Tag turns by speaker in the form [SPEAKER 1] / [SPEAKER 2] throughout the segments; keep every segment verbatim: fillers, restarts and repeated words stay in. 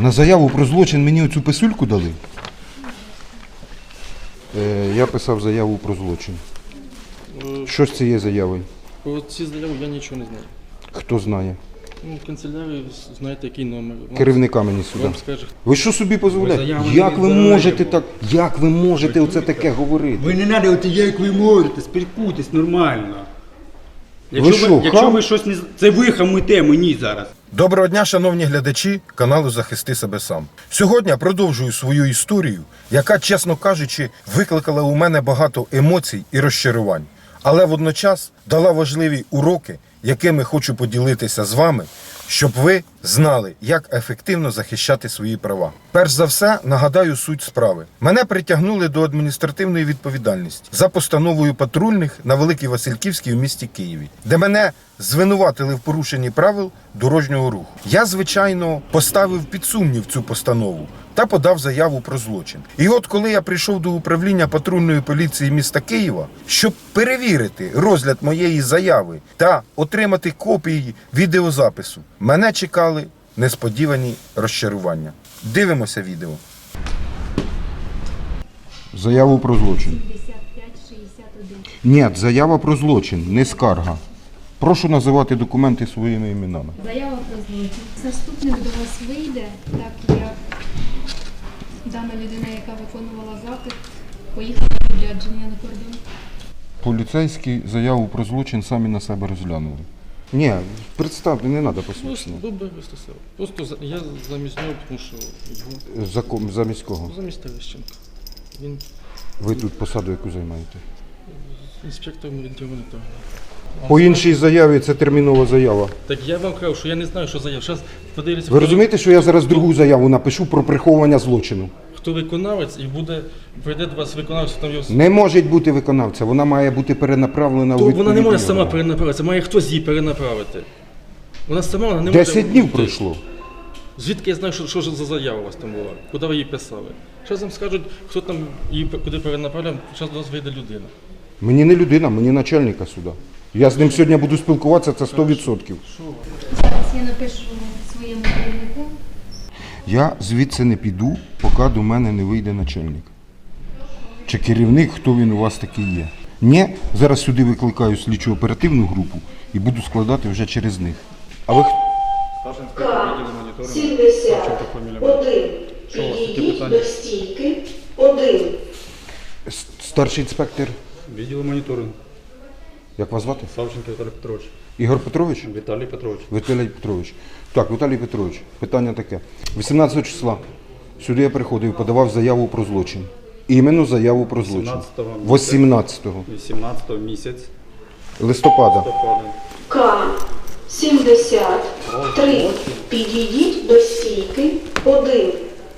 [SPEAKER 1] На заяву про злочин мені оцю писульку дали. Е, я писав заяву про злочин. Що з цією заявою?
[SPEAKER 2] Про ці заяви я нічого не знаю.
[SPEAKER 1] Хто знає?
[SPEAKER 2] Ну, в канцелярії знаєте, який номер. Вам,
[SPEAKER 1] Керівника мені сюди.
[SPEAKER 2] вам скаже.
[SPEAKER 1] Ви що собі дозволяєте?
[SPEAKER 3] заяву
[SPEAKER 1] Як
[SPEAKER 3] не
[SPEAKER 1] ви
[SPEAKER 3] заяву.
[SPEAKER 1] можете так, як ви можете оце таке говорити?
[SPEAKER 3] Ви не треба, от як ви можете, спілкуйтесь нормально.
[SPEAKER 1] Ви
[SPEAKER 3] Якщо
[SPEAKER 1] що,
[SPEAKER 3] ви, якщо
[SPEAKER 1] хам?
[SPEAKER 3] ви щось не... з- Це ви хамите мені зараз.
[SPEAKER 4] Доброго дня, шановні глядачі каналу «Захисти себе сам». Сьогодні я продовжую свою історію, яка, чесно кажучи, викликала у мене багато емоцій і розчарувань. Але водночас дала важливі уроки, якими хочу поділитися з вами, щоб ви знали, як ефективно захищати свої права. Перш за все, нагадаю суть справи. Мене притягнули до адміністративної відповідальності за постановою патрульних на Великій Васильківській у місті Києві, де мене звинуватили в порушенні правил дорожнього руху. Я, звичайно, поставив під сумнів цю постанову та подав заяву про злочин. І от коли я прийшов до управління патрульної поліції міста Києва, щоб перевірити розгляд моєї заяви та отримати копії відеозапису, мене чекали несподівані розчарування. Дивимося відео.
[SPEAKER 1] Заяву про злочин.
[SPEAKER 5] сімдесят п'ять шістдесят один.
[SPEAKER 1] Ні, заява про злочин, не скарга. Прошу називати документи своїми іменами.
[SPEAKER 5] Заява про злочин. Заступник до вас вийде, так як дана людина, яка виконувала запит, поїхала в відрядження на кордон.
[SPEAKER 1] Поліцейські заяву про злочин самі на себе розглянули. Ні, представте, не треба
[SPEAKER 2] Просто
[SPEAKER 1] посвідчення.
[SPEAKER 2] добре вистосив. Просто за- я замість нього, тому що його
[SPEAKER 1] Закон, замість кого?
[SPEAKER 2] замість Терещенка. Він
[SPEAKER 1] Ви тут посаду яку займаєте?
[SPEAKER 2] інспектором відділу моніторингу.
[SPEAKER 1] По іншій заяві це термінова заява.
[SPEAKER 2] Так я вам кажу, що я не знаю, що заяв. Зараз подивлюся,
[SPEAKER 1] Ви
[SPEAKER 2] хто-
[SPEAKER 1] розумієте, що я зараз другу заяву напишу про приховування злочину?
[SPEAKER 2] хто виконавець, і буде прийде до вас виконавець, там його.
[SPEAKER 1] Не може бути виконавця, вона має бути перенаправлена
[SPEAKER 2] То
[SPEAKER 1] у
[SPEAKER 2] вона не може
[SPEAKER 1] відповідний
[SPEAKER 2] сама
[SPEAKER 1] орган.
[SPEAKER 2] перенаправити, це має хтось її перенаправити. Вона сама вона не може.
[SPEAKER 1] Десять днів
[SPEAKER 2] бути.
[SPEAKER 1] пройшло.
[SPEAKER 2] Звідки я знаю, що, що ж за заява у вас там була? Куди ви її писали? Зараз вам скажуть, хто там її куди перенаправляв, зараз до вас вийде людина.
[SPEAKER 1] Мені не людина, мені начальника суда. Я з ним сьогодні буду спілкуватися, це сто відсотків.
[SPEAKER 5] Зараз я напишу своєму керівнику.
[SPEAKER 1] Я звідси не піду, поки до мене не вийде начальник. Чи керівник, хто він у вас такий є. Ні, зараз сюди викликаю слідчу оперативну групу і буду складати вже через них. А ви хто?
[SPEAKER 6] сімдесят один. Підійдіть до стійки. один.
[SPEAKER 1] С- Старший інспектор,
[SPEAKER 3] Відділу моніторингу.
[SPEAKER 1] як вас звати?
[SPEAKER 3] Савченко Віталій Петрович.
[SPEAKER 1] Ігор Петрович?
[SPEAKER 3] Віталій Петрович.
[SPEAKER 1] Віталій Петрович. Так, Віталій Петрович, питання таке. вісімнадцятого числа сюди я приходив, подавав заяву про злочин. Іменно заяву про злочин.
[SPEAKER 3] вісімнадцятого.
[SPEAKER 1] вісімнадцятого
[SPEAKER 3] вісімнадцятого місяць.
[SPEAKER 1] листопада.
[SPEAKER 3] Листопада.
[SPEAKER 6] К. сімдесят три. Підійдіть до стійки. один.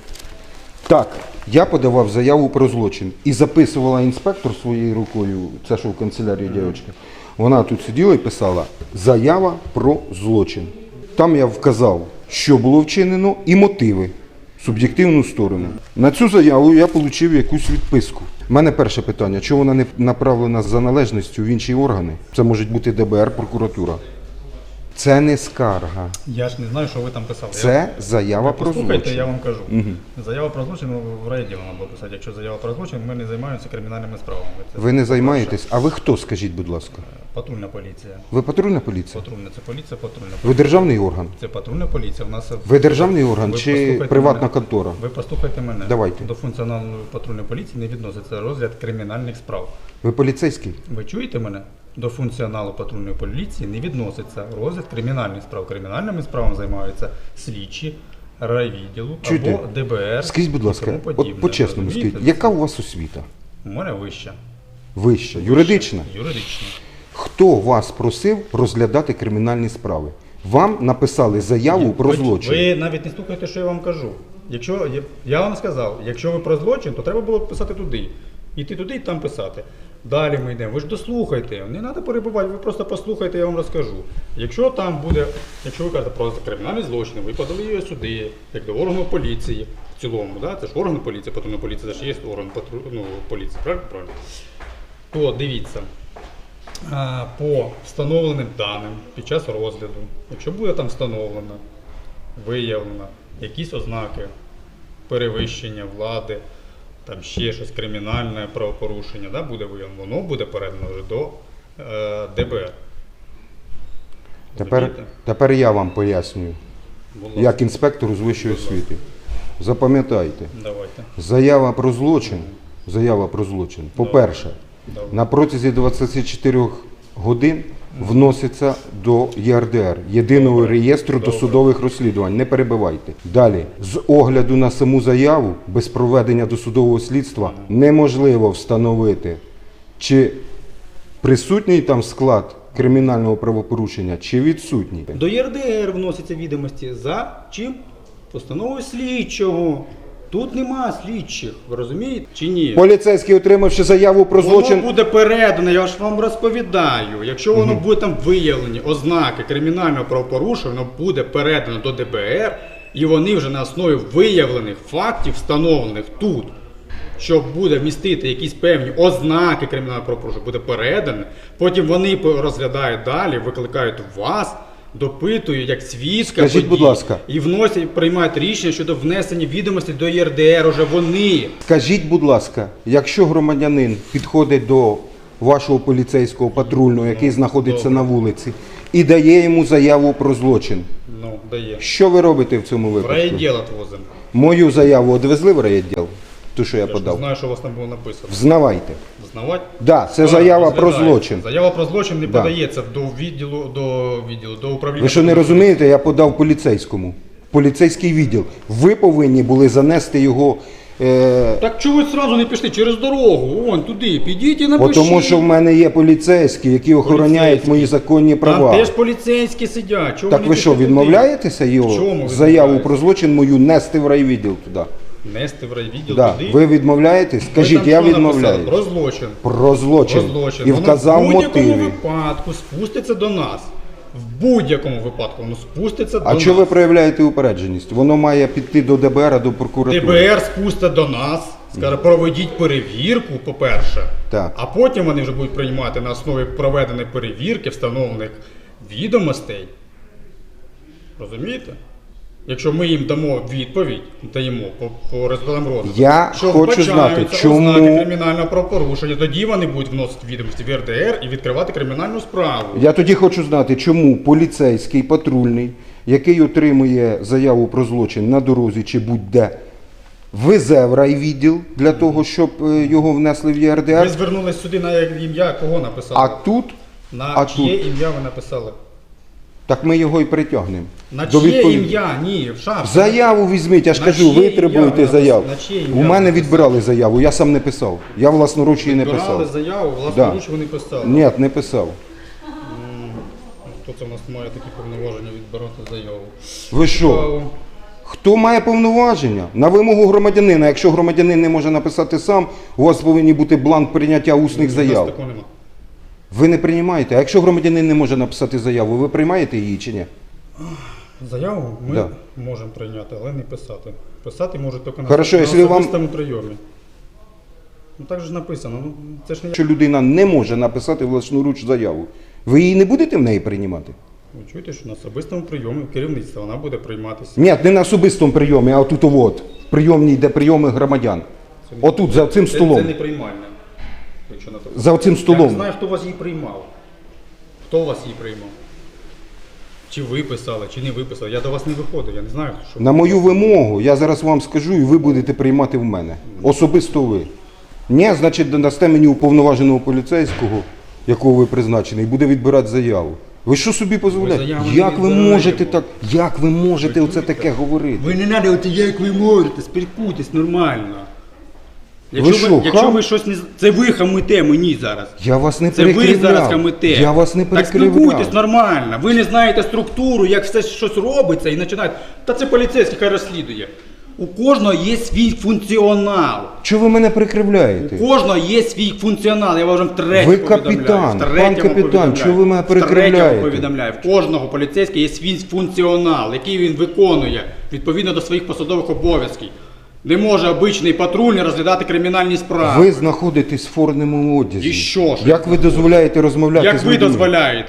[SPEAKER 1] Так, я подавав заяву про злочин і записувала інспектор своєю рукою, це що в канцелярії дівчинка. Вона тут сиділа і писала «Заява про злочин». Там я вказав, що було вчинено і мотиви, суб'єктивну сторону. На цю заяву я отримав якусь відписку. У мене перше питання, чому вона не направлена за належністю в інші органи? Це може бути де бе ер, прокуратура. Це не скарга,
[SPEAKER 7] Я ж не знаю, що ви там писали.
[SPEAKER 1] це заява про
[SPEAKER 7] Послухайте,
[SPEAKER 1] злочин.
[SPEAKER 7] я вам кажу. Заява про злочин в райвідділі треба було писати. Якщо заява про злочин, ми не займаємося кримінальними справами. Це
[SPEAKER 1] Ви не займаєтесь? А ви хто, скажіть, будь ласка?
[SPEAKER 7] патрульна поліція.
[SPEAKER 1] Ви патрульна поліція?
[SPEAKER 7] Патрульна це поліція, патрульна
[SPEAKER 1] Ви
[SPEAKER 7] поліція.
[SPEAKER 1] державний орган?
[SPEAKER 7] Це патрульна поліція. У нас
[SPEAKER 1] Ви державний орган
[SPEAKER 7] Ви
[SPEAKER 1] чи
[SPEAKER 7] послухайте
[SPEAKER 1] приватна
[SPEAKER 7] мене.
[SPEAKER 1] контора?
[SPEAKER 7] Ви послухайте мене.
[SPEAKER 1] Давайте.
[SPEAKER 7] До функціональної патрульної поліції не відноситься розгляд кримінальних справ.
[SPEAKER 1] Ви поліцейський?
[SPEAKER 7] Ви чуєте мене? До функціоналу патрульної поліції не відноситься розгляд кримінальних справ. Кримінальними справами займаються слідчі райвідділу
[SPEAKER 1] Чуєте?
[SPEAKER 7] або де бе ер.
[SPEAKER 1] Скажіть, будь
[SPEAKER 7] і
[SPEAKER 1] ласка,
[SPEAKER 7] тому подібне.
[SPEAKER 1] от по-чесному
[SPEAKER 7] Розумієте?
[SPEAKER 1] скажіть, яка у вас освіта?
[SPEAKER 7] У мене вища.
[SPEAKER 1] Вища, юридична?
[SPEAKER 7] Юридична.
[SPEAKER 1] Хто вас просив розглядати кримінальні справи? Вам написали заяву про
[SPEAKER 7] Ви-
[SPEAKER 1] злочин.
[SPEAKER 7] Ви навіть не слухаєте, що я вам кажу. Якщо я- я вам сказав, якщо ви про злочин, то треба було писати туди. Іти туди і там писати. Далі ми йдемо. Ви ж дослухайте, не треба перебувати, ви просто послухайте, я вам розкажу. Якщо там буде, якщо ви кажете про кримінальні злочини, ви подали його сюди, як до органу поліції в цілому, да? Це ж орган поліції, патрульна поліція, це ж є орган патру... ну, поліції, правильно? Правильно? То дивіться. А, по встановленим даним під час розгляду, якщо буде там встановлено, виявлено якісь ознаки перевищення влади, там ще щось кримінальне правопорушення, да, буде виявлено, воно буде передано вже до е, ДБР.
[SPEAKER 1] Тепер,
[SPEAKER 7] Розумієте?
[SPEAKER 1] тепер я вам пояснюю,
[SPEAKER 7] Будь ласка,
[SPEAKER 1] як інспектору з вищої
[SPEAKER 7] Будь ласка.
[SPEAKER 1] освіти. Запам'ятайте,
[SPEAKER 7] давайте.
[SPEAKER 1] заява про злочин, заява про злочин, по-перше,
[SPEAKER 7] Добре.
[SPEAKER 1] на протязі двадцяти чотирьох годин вноситься до ЄРДР, Єдиного
[SPEAKER 7] Добре.
[SPEAKER 1] реєстру
[SPEAKER 7] Добре.
[SPEAKER 1] досудових розслідувань. Не перебивайте. Далі, з огляду на саму заяву, без проведення досудового слідства, неможливо встановити, чи присутній там склад кримінального правопорушення, чи відсутній.
[SPEAKER 7] До ЄРДР вносяться відомості за чим? Постановою слідчого. Тут нема слідчих, ви розумієте чи ні?
[SPEAKER 1] Поліцейський, отримавши заяву про злочин,
[SPEAKER 7] Воно буде передано, я ж вам розповідаю. Якщо воно буде там виявлені ознаки кримінального правопорушення, воно буде передано до ДБР, і вони вже на основі виявлених фактів, встановлених тут, що буде містити якісь певні ознаки кримінального правопорушення, буде передано. Потім вони розглядають далі, викликають вас, допитують як свідка
[SPEAKER 1] Скажіть,
[SPEAKER 7] подій,
[SPEAKER 1] будь ласка.
[SPEAKER 7] і вносять, приймають рішення щодо внесення відомостей до ЄРДР, уже вони.
[SPEAKER 1] скажіть, будь ласка, якщо громадянин підходить до вашого поліцейського патрульного, який знаходиться
[SPEAKER 7] добре.
[SPEAKER 1] на вулиці, і дає йому заяву про злочин,
[SPEAKER 7] Ну, дає.
[SPEAKER 1] що ви робите в цьому
[SPEAKER 7] В
[SPEAKER 1] випадку?
[SPEAKER 7] райвідділ отвозимо.
[SPEAKER 1] Мою заяву одвезли в райвідділ, ту, що я
[SPEAKER 7] Я ж не
[SPEAKER 1] подав?
[SPEAKER 7] знаю, що у вас там було написано.
[SPEAKER 1] Взнавайте.
[SPEAKER 7] Знавати?
[SPEAKER 1] Да, це
[SPEAKER 7] Так,
[SPEAKER 1] заява про
[SPEAKER 7] розглядається.
[SPEAKER 1] злочин.
[SPEAKER 7] Заява про злочин не
[SPEAKER 1] Да.
[SPEAKER 7] подається до відділу, до відділу, до управління.
[SPEAKER 1] Ви що не розумієте, я подав поліцейському. Поліцейський відділ. Ви повинні були занести його. Е...
[SPEAKER 7] Так чого ви одразу не пішли через дорогу? Вон туди, підіть і
[SPEAKER 1] Бо
[SPEAKER 7] напишіть.
[SPEAKER 1] тому що в мене є поліцейські, які охороняють
[SPEAKER 7] Поліцейські.
[SPEAKER 1] мої законні права.
[SPEAKER 7] Там теж поліцейські сидять. Чого
[SPEAKER 1] Так
[SPEAKER 7] не
[SPEAKER 1] ви що,
[SPEAKER 7] пішли туди?
[SPEAKER 1] відмовляєтеся
[SPEAKER 7] В
[SPEAKER 1] його
[SPEAKER 7] чому
[SPEAKER 1] заяву
[SPEAKER 7] відмовляюсь?
[SPEAKER 1] про злочин мою нести в райвідділ туди?
[SPEAKER 7] Нести в райвідділ
[SPEAKER 1] Да.
[SPEAKER 7] туди?
[SPEAKER 1] Ви відмовляєтесь?
[SPEAKER 7] Ви
[SPEAKER 1] Скажіть,
[SPEAKER 7] там
[SPEAKER 1] я
[SPEAKER 7] що написали?
[SPEAKER 1] відмовляюсь.
[SPEAKER 7] Про злочин.
[SPEAKER 1] Про злочин.
[SPEAKER 7] Про злочин.
[SPEAKER 1] І
[SPEAKER 7] Воно
[SPEAKER 1] вказав
[SPEAKER 7] в будь-якому
[SPEAKER 1] мотиви.
[SPEAKER 7] випадку спуститься до нас. В будь-якому випадку воно спуститься до
[SPEAKER 1] А
[SPEAKER 7] нас.
[SPEAKER 1] чого ви проявляєте упередженість? Воно має піти до ДБР, до прокуратури.
[SPEAKER 7] ДБР спустить до нас, скаже, проведіть перевірку, по-перше,
[SPEAKER 1] Так.
[SPEAKER 7] а потім вони вже будуть приймати на основі проведеної перевірки, встановлених відомостей. Розумієте? Якщо ми їм дамо відповідь, даємо по, по результатам розвитку,
[SPEAKER 1] Я
[SPEAKER 7] що
[SPEAKER 1] хочу
[SPEAKER 7] вбачаються
[SPEAKER 1] знати, чому-
[SPEAKER 7] ознаки кримінального правопорушення, тоді вони будуть вносити відомості в РДР і відкривати кримінальну справу.
[SPEAKER 1] Я тоді хочу знати, чому поліцейський патрульний, який отримує заяву про злочин на дорозі чи будь-де, везе в райвідділ для того, щоб е, його внесли в
[SPEAKER 7] Ви
[SPEAKER 1] ЄРДР,
[SPEAKER 7] звернулись сюди на ім'я кого написали?
[SPEAKER 1] а тут,
[SPEAKER 7] на
[SPEAKER 1] а
[SPEAKER 7] чиє
[SPEAKER 1] тут?
[SPEAKER 7] ім'я ви написали?
[SPEAKER 1] так ми його і притягнемо.
[SPEAKER 7] На
[SPEAKER 1] До
[SPEAKER 7] чиє
[SPEAKER 1] відповіді.
[SPEAKER 7] ім'я? Ні, в шапці.
[SPEAKER 1] Заяву візьміть, я ж
[SPEAKER 7] На
[SPEAKER 1] кажу,
[SPEAKER 7] чиє
[SPEAKER 1] ви
[SPEAKER 7] ім'я
[SPEAKER 1] требуєте
[SPEAKER 7] ви
[SPEAKER 1] заяву.
[SPEAKER 7] написали? На чиє ім'я
[SPEAKER 1] У
[SPEAKER 7] ви
[SPEAKER 1] мене
[SPEAKER 7] написали?
[SPEAKER 1] відбирали заяву, я сам не писав. Я власноруч її не
[SPEAKER 7] Відбирали
[SPEAKER 1] писав.
[SPEAKER 7] заяву,
[SPEAKER 1] Да.
[SPEAKER 7] власноруч ви не писали.
[SPEAKER 1] Ні, не писав.
[SPEAKER 7] Хто це в нас має такі повноваження відбирати заяву?
[SPEAKER 1] Ви що?
[SPEAKER 7] Цікаво.
[SPEAKER 1] Хто має повноваження? На вимогу громадянина. Якщо громадянин не може написати сам, у вас повинен бути бланк прийняття усних
[SPEAKER 7] У нас
[SPEAKER 1] заяв.
[SPEAKER 7] такого нема.
[SPEAKER 1] Ви не приймаєте. А якщо громадянин не може написати заяву, ви приймаєте її чи ні?
[SPEAKER 7] Заяву ми
[SPEAKER 1] Да.
[SPEAKER 7] можемо прийняти, але не писати. Писати можуть тільки на,
[SPEAKER 1] Хорошо,
[SPEAKER 7] на
[SPEAKER 1] якщо вам-
[SPEAKER 7] особистому прийомі. Ну так же ж написано. Ну, це ж не я.
[SPEAKER 1] Якщо людина не може написати власноруч заяву, ви її не будете в неї приймати?
[SPEAKER 7] Ви чуєте, що на особистому прийомі керівництва вона буде прийматися.
[SPEAKER 1] Ні, не на особистому прийомі, а отут от, в прийомній, де прийоми громадян.
[SPEAKER 7] Це не-
[SPEAKER 1] Отут, за цим
[SPEAKER 7] Це,
[SPEAKER 1] столом.
[SPEAKER 7] це не приймальне. Якщо на то.
[SPEAKER 1] За цим
[SPEAKER 7] Я
[SPEAKER 1] столом.
[SPEAKER 7] не знаю, хто вас її приймав. Хто вас її приймав? Чи ви писали, чи не ви писали. Я до вас не виходив, я не знаю, що.
[SPEAKER 1] На мою вимогу, я зараз вам скажу, і ви будете приймати в мене. Особисто ви. Ні, значить, дасте мені уповноваженого поліцейського, якого ви призначений, і буде відбирати заяву. Ви що собі дозволяєте?
[SPEAKER 7] заяву не
[SPEAKER 1] Як ви
[SPEAKER 7] відбираємо.
[SPEAKER 1] можете так, як ви можете оце таке говорити?
[SPEAKER 3] Ви не треба, от як ви можете, спілкуйтесь нормально.
[SPEAKER 7] Якщо ви,
[SPEAKER 1] що,
[SPEAKER 7] якщо
[SPEAKER 1] хам?
[SPEAKER 7] ви щось не з- це ви хамите мені зараз.
[SPEAKER 1] Я вас не
[SPEAKER 7] Це ви
[SPEAKER 1] перекривляв.
[SPEAKER 7] зараз хамите.
[SPEAKER 1] Я вас не
[SPEAKER 7] Так спілкуйтесь
[SPEAKER 1] перекривляв.
[SPEAKER 7] нормально. Ви не знаєте структуру, як все щось робиться і починаєте. Та це поліцейський хай розслідує. У кожного є свій функціонал.
[SPEAKER 1] Чого ви мене перекривляєте?
[SPEAKER 7] У кожного є свій функціонал. Я вам вже втретє
[SPEAKER 1] Ви
[SPEAKER 7] повідомляю.
[SPEAKER 1] капітан,
[SPEAKER 7] Втретє
[SPEAKER 1] пан
[SPEAKER 7] вам
[SPEAKER 1] капітан,
[SPEAKER 7] повідомляю.
[SPEAKER 1] чого ви мене
[SPEAKER 7] Втретє
[SPEAKER 1] перекривляєте?
[SPEAKER 7] вам повідомляю. В кожного поліцейського є свій функціонал, який він виконує відповідно до своїх посадових обов'язків. Не може обичний патрульний розглядати кримінальні справи.
[SPEAKER 1] Ви знаходитесь в форменому одязі.
[SPEAKER 7] І що ж?
[SPEAKER 1] Як ви дозволяєте розмовляти
[SPEAKER 7] Як
[SPEAKER 1] з
[SPEAKER 7] ви
[SPEAKER 1] людьми?
[SPEAKER 7] дозволяєте?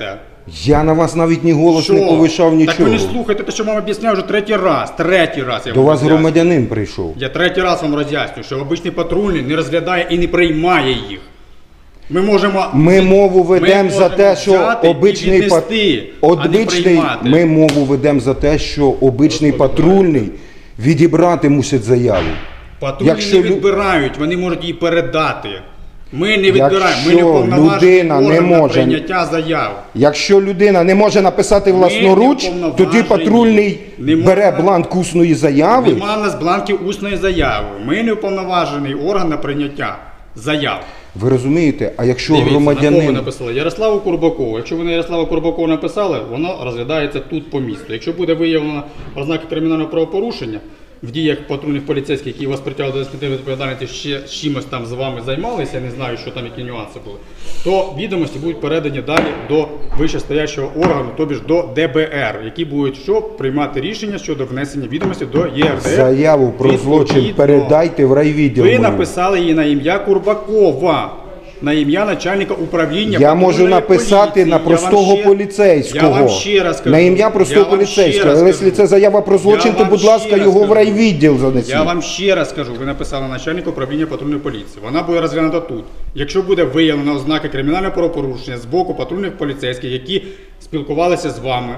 [SPEAKER 1] Я на вас навіть ні голос не повишав,
[SPEAKER 7] Так
[SPEAKER 1] нічого.
[SPEAKER 7] ви не слухайте те, що вам об'ясняю вже третій раз. Третій раз я
[SPEAKER 1] До
[SPEAKER 7] вам
[SPEAKER 1] вас
[SPEAKER 7] роз'яснюю.
[SPEAKER 1] громадянин прийшов.
[SPEAKER 7] Я третій раз вам роз'яснюю, що обичний патрульний не розглядає і не приймає їх. Ми можемо...
[SPEAKER 1] Ми мову ведемо
[SPEAKER 7] ми
[SPEAKER 1] за
[SPEAKER 7] можемо
[SPEAKER 1] те, що
[SPEAKER 7] взяти і
[SPEAKER 1] обичний пат-
[SPEAKER 7] віднести, а не
[SPEAKER 1] обичний,
[SPEAKER 7] приймати.
[SPEAKER 1] ми мову ведемо за те, що обичний патрульний відібрати мусить заяву.
[SPEAKER 7] Патрульні
[SPEAKER 1] Якщо
[SPEAKER 7] не
[SPEAKER 1] лю-
[SPEAKER 7] відбирають, вони можуть її передати. Ми не відбираємо, ми не
[SPEAKER 1] Якщо
[SPEAKER 7] уповноважені
[SPEAKER 1] людина не
[SPEAKER 7] орган на
[SPEAKER 1] може-
[SPEAKER 7] прийняття заяв.
[SPEAKER 1] Якщо людина не може написати власноруч,
[SPEAKER 7] не
[SPEAKER 1] тоді
[SPEAKER 7] уповноважені.
[SPEAKER 1] патрульний
[SPEAKER 7] Не
[SPEAKER 1] бере
[SPEAKER 7] можна-
[SPEAKER 1] бланк усної заяви.
[SPEAKER 7] Нема в нас бланків усної заяви. Ми не уповноважений орган на прийняття заяв.
[SPEAKER 1] Ви розумієте? А якщо
[SPEAKER 7] Дивіться, на кого ви
[SPEAKER 1] громадянин
[SPEAKER 7] написали? Ярославу Курбакову. Якщо ви на Ярослава Курбакова написали, воно розглядається тут по місту. Якщо буде виявлено ознаки кримінального правопорушення в діях патрульних поліцейських, які вас притягли до адміністративної відповідальності, ще з чимось там з вами займалися, я не знаю, що там які нюанси були, то відомості будуть передані далі до вищестоящого органу, тобі ж до Д Б Р, які будуть що приймати рішення щодо внесення відомості до Є Р Д Р.
[SPEAKER 1] заяву про злочин
[SPEAKER 7] Відповідно.
[SPEAKER 1] передайте в райвідділ.
[SPEAKER 7] Ви
[SPEAKER 1] мені.
[SPEAKER 7] написали її на ім'я Курбакова, на ім'я начальника управління.
[SPEAKER 1] Я можу
[SPEAKER 7] патрульної
[SPEAKER 1] написати
[SPEAKER 7] поліції.
[SPEAKER 1] на
[SPEAKER 7] Я вам
[SPEAKER 1] простого
[SPEAKER 7] ще-
[SPEAKER 1] поліцейського.
[SPEAKER 7] Я вам ще раз кажу.
[SPEAKER 1] На ім'я простого
[SPEAKER 7] Я вам ще
[SPEAKER 1] поліцейського.
[SPEAKER 7] раз
[SPEAKER 1] Але якщо
[SPEAKER 7] кажу.
[SPEAKER 1] це заява про злочин,
[SPEAKER 7] Я
[SPEAKER 1] то,
[SPEAKER 7] вам
[SPEAKER 1] будь ласка,
[SPEAKER 7] ще раз
[SPEAKER 1] його в
[SPEAKER 7] кажу.
[SPEAKER 1] райвідділ занесіть.
[SPEAKER 7] Я вам ще раз кажу, ви написали начальник управління патрульної поліції. Вона буде розглянута тут. Якщо буде виявлено ознаки кримінального правопорушення з боку патрульних поліцейських, які спілкувалися з вами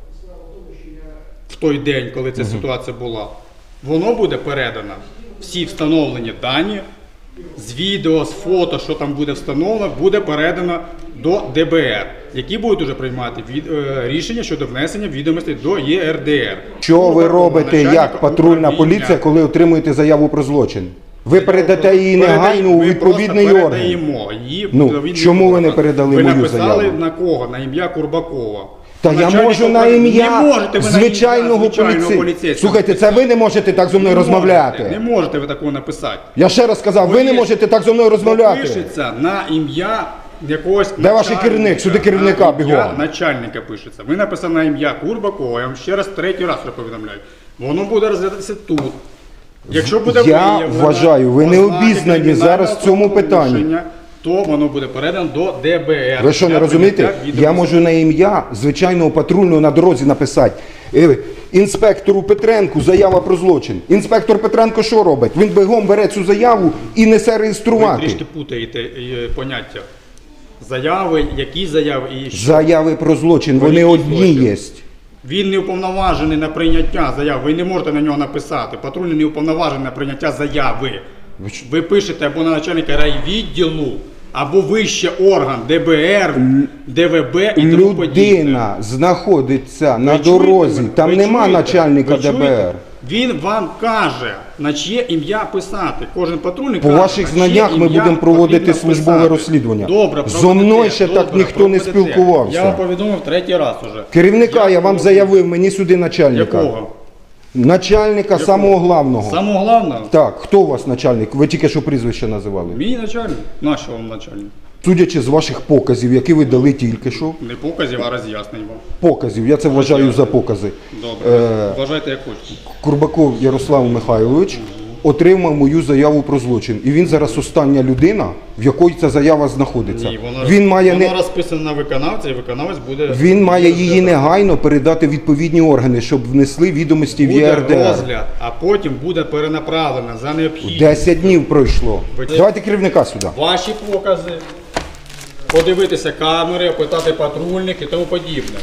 [SPEAKER 7] в той день, коли ця ситуація була, воно буде передано. Всі встановлені дані з відео, з фото, що там буде встановлено, буде передано до Д Б Р, які будуть уже приймати від, е, рішення щодо внесення відомостей до Є Р Д Р.
[SPEAKER 1] Що ви
[SPEAKER 7] Курбакова,
[SPEAKER 1] робите
[SPEAKER 7] начальника
[SPEAKER 1] як патрульна
[SPEAKER 7] управління.
[SPEAKER 1] поліція, коли отримуєте заяву про злочин? Ви передате її негайно у
[SPEAKER 7] Ми
[SPEAKER 1] відповідний
[SPEAKER 7] просто
[SPEAKER 1] орган.
[SPEAKER 7] передаємо її в
[SPEAKER 1] Ну,
[SPEAKER 7] відповідний
[SPEAKER 1] чому ви не
[SPEAKER 7] орган.
[SPEAKER 1] передали
[SPEAKER 7] ви
[SPEAKER 1] мою
[SPEAKER 7] написали
[SPEAKER 1] заяву?
[SPEAKER 7] на кого? На ім'я Курбакова.
[SPEAKER 1] Та я
[SPEAKER 7] Начальника
[SPEAKER 1] можу на
[SPEAKER 7] управління.
[SPEAKER 1] ім'я
[SPEAKER 7] Не можете ви на
[SPEAKER 1] звичайного
[SPEAKER 7] ім'я звичайного
[SPEAKER 1] поліцейського.
[SPEAKER 7] поліцейського
[SPEAKER 1] Слухайте, це ви не можете так зі мною
[SPEAKER 7] Не можете,
[SPEAKER 1] розмовляти.
[SPEAKER 7] Не можете ви такого написати.
[SPEAKER 1] Я ще раз сказав, ви не
[SPEAKER 7] Пише-
[SPEAKER 1] можете так зі мною розмовляти.
[SPEAKER 7] Пишеться на ім'я якогось
[SPEAKER 1] Де ваш
[SPEAKER 7] начальника.
[SPEAKER 1] керівник? Сюди керівника
[SPEAKER 7] На ім'я
[SPEAKER 1] бігом.
[SPEAKER 7] начальника пишеться. Ви написали на ім'я Курбакова, я вам ще раз третій раз повідомляю. Воно буде розглядатися тут. Якщо буде
[SPEAKER 1] Я
[SPEAKER 7] виявлено
[SPEAKER 1] вважаю, ви не
[SPEAKER 7] ознаки
[SPEAKER 1] обізнані зараз в цьому питанні.
[SPEAKER 7] правопорушення, то воно буде передано до Д Б Р.
[SPEAKER 1] Ви що, не
[SPEAKER 7] для
[SPEAKER 1] розумієте?
[SPEAKER 7] прийняття
[SPEAKER 1] Я
[SPEAKER 7] відомостей.
[SPEAKER 1] можу на ім'я звичайного патрульного на дорозі написати. Е, Інспектору Петренку заява про злочин. Інспектор Петренко що робить? Він бігом бере цю заяву і несе
[SPEAKER 7] Ви
[SPEAKER 1] реєструвати.
[SPEAKER 7] трішки путаєте е, поняття. Заяви, які заяви і що.
[SPEAKER 1] Заяви про злочин,
[SPEAKER 7] Про
[SPEAKER 1] вони
[SPEAKER 7] який
[SPEAKER 1] одні
[SPEAKER 7] злочин?
[SPEAKER 1] є.
[SPEAKER 7] Він не уповноважений на прийняття заяв. Ви не можете на нього написати. Патрульний не уповноважений на прийняття заяви. Ви пишете або на начальника райвідділу, або вище орган Д Б Р, Д В Б і тому подібне.
[SPEAKER 1] Людина знаходиться на
[SPEAKER 7] Ви чуєте
[SPEAKER 1] дорозі,
[SPEAKER 7] мене?
[SPEAKER 1] там
[SPEAKER 7] Ви
[SPEAKER 1] нема
[SPEAKER 7] чуєте?
[SPEAKER 1] начальника
[SPEAKER 7] Ви
[SPEAKER 1] Д Б
[SPEAKER 7] чуєте?
[SPEAKER 1] Р.
[SPEAKER 7] Він вам каже, на чиє ім'я писати. Кожен патрульний
[SPEAKER 1] По
[SPEAKER 7] каже,
[SPEAKER 1] ваших
[SPEAKER 7] на чиє
[SPEAKER 1] знаннях ми
[SPEAKER 7] ім'я
[SPEAKER 1] будемо проводити
[SPEAKER 7] потрібно
[SPEAKER 1] службове
[SPEAKER 7] писати.
[SPEAKER 1] розслідування.
[SPEAKER 7] Добре,
[SPEAKER 1] Зо
[SPEAKER 7] проведете,
[SPEAKER 1] мною ще так
[SPEAKER 7] добре,
[SPEAKER 1] ніхто не
[SPEAKER 7] проведете.
[SPEAKER 1] спілкувався.
[SPEAKER 7] Я вам повідомив третій раз уже.
[SPEAKER 1] Керівника я вам заявив, мені сюди начальника.
[SPEAKER 7] Якого?
[SPEAKER 1] Начальника самого главного.
[SPEAKER 7] Самого головного?
[SPEAKER 1] Так, хто у вас начальник? Ви тільки що прізвище називали.
[SPEAKER 7] Мій начальник. Наш вам начальник.
[SPEAKER 1] Судячи з ваших показів, які ви дали тільки що.
[SPEAKER 7] Не показів, а роз'яснень вам.
[SPEAKER 1] Показів, я це вважаю за покази.
[SPEAKER 7] Добре.
[SPEAKER 1] Е,
[SPEAKER 7] Вважайте як хочете.
[SPEAKER 1] Курбаков Ярослав Михайлович отримав мою заяву про злочин. І він зараз остання людина, в якої ця заява знаходиться.
[SPEAKER 7] Ні, воно,
[SPEAKER 1] він має
[SPEAKER 7] воно
[SPEAKER 1] не
[SPEAKER 7] розписано на виконавця, і виконавець буде...
[SPEAKER 1] він має
[SPEAKER 7] буде
[SPEAKER 1] її негайно передати відповідні органи, щоб внесли відомості в
[SPEAKER 7] Буде
[SPEAKER 1] Є Р Д Р.
[SPEAKER 7] розгляд, а потім буде перенаправлено за необхідність.
[SPEAKER 1] Десять днів пройшло.
[SPEAKER 7] Ви-
[SPEAKER 1] Давайте керівника сюди.
[SPEAKER 7] Ваші покази, подивитися камери, опитати патрульних і тому подібне.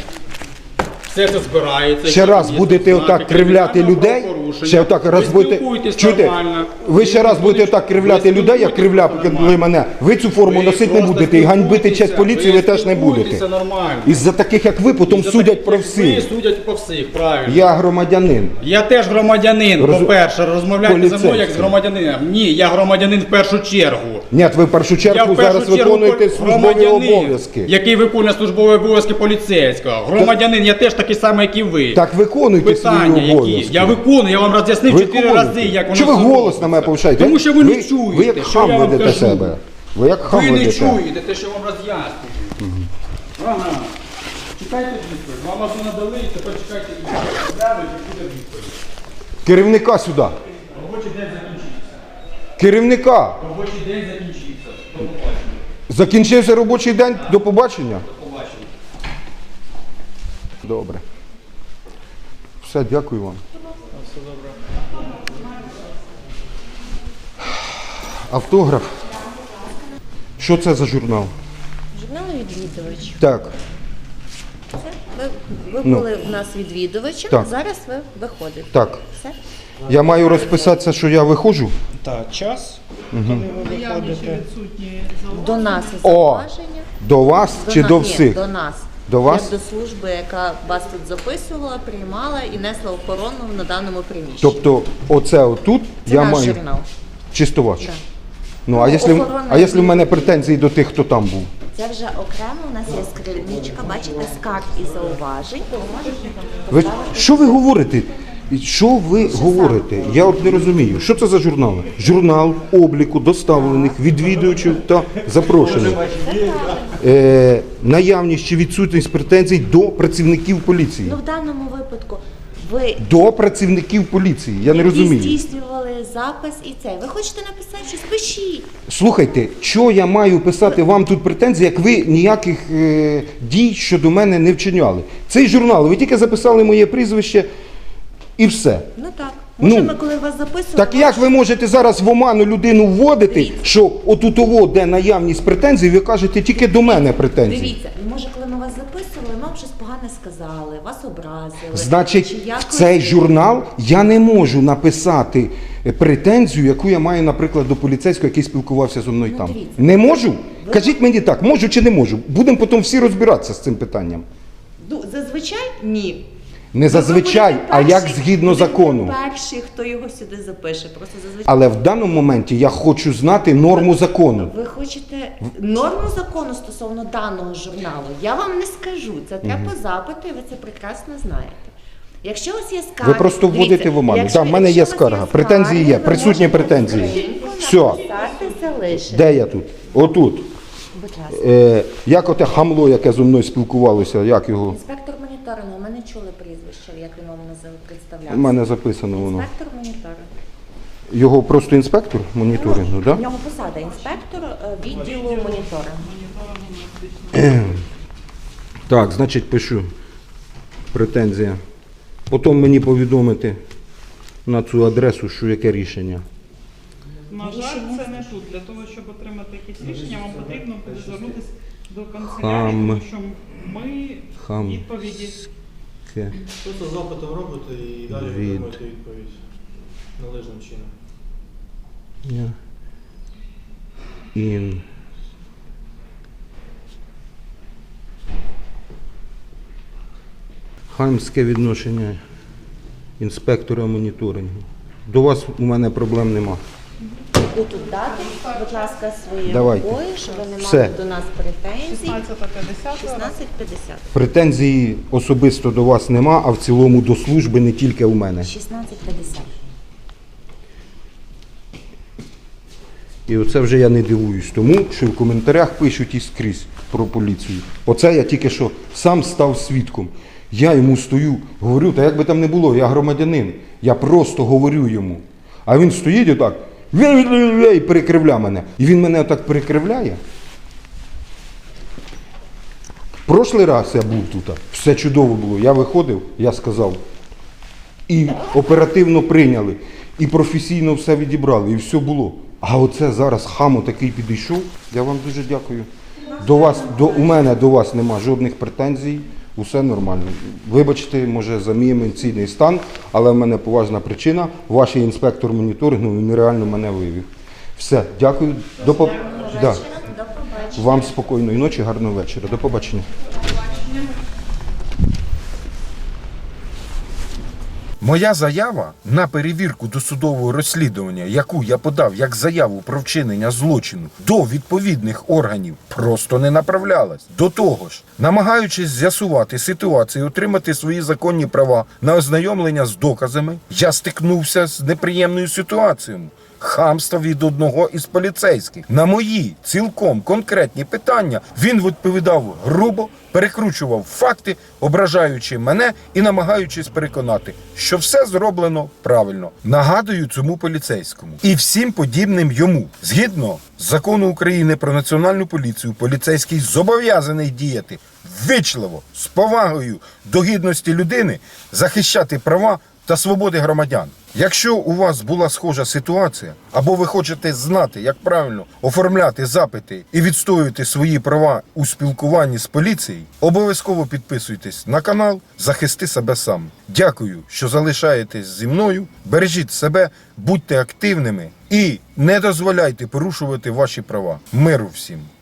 [SPEAKER 7] Все це збирається.
[SPEAKER 1] Ще
[SPEAKER 7] які
[SPEAKER 1] раз
[SPEAKER 7] є
[SPEAKER 1] будете
[SPEAKER 7] ознаки
[SPEAKER 1] отак кривляти
[SPEAKER 7] кримінального
[SPEAKER 1] людей,
[SPEAKER 7] правопорушення.
[SPEAKER 1] ще отак раз
[SPEAKER 7] Ви
[SPEAKER 1] будете
[SPEAKER 7] спілкуйтесь
[SPEAKER 1] чуєте,
[SPEAKER 7] нормально.
[SPEAKER 1] ви ще раз будете
[SPEAKER 7] спілкуйтесь-
[SPEAKER 1] отак кривляти
[SPEAKER 7] ви
[SPEAKER 1] людей, як
[SPEAKER 7] спілкуйтесь
[SPEAKER 1] кривляли
[SPEAKER 7] нормально.
[SPEAKER 1] мене. Ви цю форму
[SPEAKER 7] Ви
[SPEAKER 1] носити не
[SPEAKER 7] просто
[SPEAKER 1] будете і ганьбити
[SPEAKER 7] спілкуйтеся,
[SPEAKER 1] честь поліції ви теж не будете.
[SPEAKER 7] спілкуйтеся нормально.
[SPEAKER 1] Із-за таких, як ви, потім
[SPEAKER 7] Із-за
[SPEAKER 1] судять
[SPEAKER 7] таких,
[SPEAKER 1] про
[SPEAKER 7] як
[SPEAKER 1] всіх.
[SPEAKER 7] Ви судять по всіх, правильно.
[SPEAKER 1] Я громадянин.
[SPEAKER 7] Я теж громадянин,
[SPEAKER 1] Роз-
[SPEAKER 7] по-перше, розмовляйте зі мною як з
[SPEAKER 1] Поліцейський.
[SPEAKER 7] громадянином. Ні, я громадянин в першу чергу.
[SPEAKER 1] Ні, ви в першу
[SPEAKER 7] Я
[SPEAKER 1] чергу
[SPEAKER 7] в першу
[SPEAKER 1] зараз
[SPEAKER 7] чергу
[SPEAKER 1] виконуєте
[SPEAKER 7] пол-
[SPEAKER 1] службові
[SPEAKER 7] громадянин,
[SPEAKER 1] обов'язки.
[SPEAKER 7] який виконує службові обов'язки поліцейського. Громадянин, я теж такий самий, як і ви.
[SPEAKER 1] Так виконуйте
[SPEAKER 7] Питання
[SPEAKER 1] свої
[SPEAKER 7] які?
[SPEAKER 1] обов'язки.
[SPEAKER 7] Я виконую, я вам роз'яснив чотири
[SPEAKER 1] Виконуйте.
[SPEAKER 7] рази, як воно
[SPEAKER 1] Чого ви
[SPEAKER 7] все
[SPEAKER 1] голос
[SPEAKER 7] робиться.
[SPEAKER 1] на мене повишаєте?
[SPEAKER 7] Тому що ви, не чуєте,
[SPEAKER 1] Ви як
[SPEAKER 7] що
[SPEAKER 1] хам
[SPEAKER 7] я вам
[SPEAKER 1] ведете
[SPEAKER 7] кажу.
[SPEAKER 1] себе. Ви як хам
[SPEAKER 7] Ви не
[SPEAKER 1] ведете.
[SPEAKER 7] чуєте те, що вам роз'яснюю. Ага. Чекайте відповідь. Вам одну надали, і тепер чекайте відповідь. Глянуть, і буде відповідь.
[SPEAKER 1] Керівника сюди.
[SPEAKER 7] Робочий день закінчився.
[SPEAKER 1] Керівника.
[SPEAKER 7] Робочий день закінчився. До побачення.
[SPEAKER 1] Закінчився робочий день. До побачення.
[SPEAKER 7] До побачення.
[SPEAKER 1] Добре. Все, дякую вам. Автограф. Що це за журнал?
[SPEAKER 8] Журнал відвідувач.
[SPEAKER 1] Так.
[SPEAKER 8] Це ви, ви
[SPEAKER 1] Ну.
[SPEAKER 8] були в нас відвідувачем,
[SPEAKER 1] Так.
[SPEAKER 8] зараз ви виходите.
[SPEAKER 1] Так.
[SPEAKER 8] Все?
[SPEAKER 1] Я маю розписатися, що я виходжу?
[SPEAKER 9] Так, час, коли ви виходите.
[SPEAKER 8] До нас
[SPEAKER 1] О!
[SPEAKER 8] зауваження.
[SPEAKER 1] До вас чи
[SPEAKER 8] на-
[SPEAKER 1] до
[SPEAKER 8] ні,
[SPEAKER 1] всіх?
[SPEAKER 8] до нас.
[SPEAKER 1] До вас?
[SPEAKER 8] Як до служби, яка вас тут записувала, приймала і несла охорону на даному приміщенні.
[SPEAKER 1] Тобто, оце отут
[SPEAKER 8] Це
[SPEAKER 1] я
[SPEAKER 8] наш
[SPEAKER 1] маю.
[SPEAKER 8] журнал.
[SPEAKER 1] Чисто ваш.
[SPEAKER 8] Да.
[SPEAKER 1] Ну, а
[SPEAKER 8] Ну,
[SPEAKER 1] якщо,
[SPEAKER 8] охорона
[SPEAKER 1] а якщо в мене
[SPEAKER 8] відвідує.
[SPEAKER 1] претензії до тих, хто там був?
[SPEAKER 8] Це вже окремо у нас є скриничка, бачите, скарг і зауважень. Ви можете
[SPEAKER 1] Ви,
[SPEAKER 8] поставити.
[SPEAKER 1] що ви говорите? І Що ви говорите? Я от не розумію. Що це за журнал? Журнал обліку доставлених відвідувачів та запрошених. Е, наявність чи відсутність претензій до працівників поліції.
[SPEAKER 8] Ну, в даному випадку ви
[SPEAKER 1] До працівників поліції. Я не
[SPEAKER 8] які
[SPEAKER 1] розумію.
[SPEAKER 8] здійснювали запис і це. Ви хочете написати щось? Пишіть.
[SPEAKER 1] Слухайте, що я маю писати вам тут претензії, як ви ніяких е, дій щодо мене не вчиняли? Цей журнал, ви тільки записали моє прізвище і все.
[SPEAKER 8] Ну так. Може,
[SPEAKER 1] Ну,
[SPEAKER 8] ми коли вас записували...
[SPEAKER 1] Так як ви можете зараз в оману людину вводити,
[SPEAKER 8] Дивіться.
[SPEAKER 1] що отутово, де наявність претензій, ви кажете тільки до мене претензії?
[SPEAKER 8] Дивіться, може, коли ми вас записували, ми вам щось погане сказали, вас образили.
[SPEAKER 1] Значить,
[SPEAKER 8] Чи
[SPEAKER 1] в
[SPEAKER 8] якось-
[SPEAKER 1] цей журнал я не можу написати претензію, яку я маю, наприклад, до поліцейського, який спілкувався зі мною
[SPEAKER 8] Ну,
[SPEAKER 1] там.
[SPEAKER 8] дивіться.
[SPEAKER 1] Не можу? Кажіть мені так, можу чи не можу? Будемо потім всі розбиратися з цим питанням.
[SPEAKER 8] Ну, зазвичай ні.
[SPEAKER 1] Не зазвичай,
[SPEAKER 8] Ви будете
[SPEAKER 1] а як
[SPEAKER 8] перший-
[SPEAKER 1] згідно
[SPEAKER 8] будете
[SPEAKER 1] закону.
[SPEAKER 8] перший, хто його сюди запише. Просто зазвичай.
[SPEAKER 1] Але в даному моменті я хочу знати норму закону.
[SPEAKER 8] Ви хочете норму закону стосовно даного журналу? Я вам не скажу. Це треба запиту, і ви це прекрасно знаєте. Якщо у вас є скарги,
[SPEAKER 1] Ви просто вводите
[SPEAKER 8] дивіться,
[SPEAKER 1] в оману.
[SPEAKER 8] якщо-
[SPEAKER 1] Так, в мене є
[SPEAKER 8] якщо у вас
[SPEAKER 1] скарга. Претензії є,
[SPEAKER 8] ви
[SPEAKER 1] присутні
[SPEAKER 8] можете
[SPEAKER 1] претензії.
[SPEAKER 8] скриньку
[SPEAKER 1] Все.
[SPEAKER 8] написати, залишити.
[SPEAKER 1] Де я тут? Отут.
[SPEAKER 8] Будь ласка.
[SPEAKER 1] Е, як оте хамло, яке зі мною спілкувалося, як його?
[SPEAKER 8] Інспектор моніторингу, ми не чули прізвище, як він вам назив представлявся.
[SPEAKER 1] У мене записано воно.
[SPEAKER 8] Інспектор моніторингу.
[SPEAKER 1] Його просто інспектор моніторингу,
[SPEAKER 8] У
[SPEAKER 1] так?
[SPEAKER 8] нього посада інспектор е, відділу моніторингу.
[SPEAKER 1] Так, значить пишу. Претензія. Потім мені повідомити на цю адресу, що яке рішення.
[SPEAKER 10] На жаль, це не тут. Для того, щоб отримати якісь рішення, вам потрібно буде звернутися до канцелярії,
[SPEAKER 1] Хам.
[SPEAKER 10] тому що ми
[SPEAKER 1] Хам.
[SPEAKER 10] відповіді.
[SPEAKER 1] Ке.
[SPEAKER 2] Просто запитом робите і далі
[SPEAKER 1] Від.
[SPEAKER 2] отримуєте відповідь належним чином.
[SPEAKER 1] Я. Ін. Хамське відношення інспектора моніторингу. До вас у мене проблем нема.
[SPEAKER 8] Ви тут дати, будь ласка, своєю
[SPEAKER 1] Давайте.
[SPEAKER 8] рукою, щоб ви не мали
[SPEAKER 1] Все.
[SPEAKER 8] до нас претензій.
[SPEAKER 10] шістнадцята п'ятдесят.
[SPEAKER 8] шістнадцять п'ятдесят.
[SPEAKER 1] Претензій особисто до вас нема, а в цілому до служби не тільки у мене.
[SPEAKER 8] шістнадцять п'ятдесят.
[SPEAKER 1] І оце вже я не дивуюсь тому, що в коментарях пишуть і скрізь про поліцію. Оце я тільки що сам став свідком. Я йому стою, говорю, та як би там не було, я громадянин. Я просто говорю йому. А він стоїть отак, і перекривля мене. І він мене отак перекривляє. Прошлий раз я був тут, все чудово було. Я виходив, я сказав. І оперативно прийняли, і професійно все відібрали, і все було. А оце зараз хамо такий підійшов. Я вам дуже дякую. До вас, до, у мене до вас нема жодних претензій, усе нормально. Вибачте, може, за мій емоційний стан, але в мене поважна причина. Ваш інспектор моніторингу він нереально мене вивів. Все, дякую. До по... да.
[SPEAKER 8] До побачення.
[SPEAKER 1] Вам спокійної ночі, гарного вечора. До побачення.
[SPEAKER 4] Моя заява на перевірку досудового розслідування, яку я подав як заяву про вчинення злочину до відповідних органів, просто не направлялась. До того ж, намагаючись з'ясувати ситуацію і отримати свої законні права на ознайомлення з доказами, я стикнувся з неприємною ситуацією. Хамство від одного із поліцейських. На мої цілком конкретні питання він відповідав грубо, перекручував факти, ображаючи мене і намагаючись переконати, що все зроблено правильно. Нагадую цьому поліцейському і всім подібним йому. Згідно закону України про національну поліцію, поліцейський зобов'язаний діяти ввічливо, з повагою до гідності людини захищати права та свободи громадян. Якщо у вас була схожа ситуація, або ви хочете знати, як правильно оформляти запити і відстоювати свої права у спілкуванні з поліцією, обов'язково підписуйтесь на канал «Захисти себе сам». Дякую, що залишаєтесь зі мною, бережіть себе, будьте активними і не дозволяйте порушувати ваші права. Миру всім!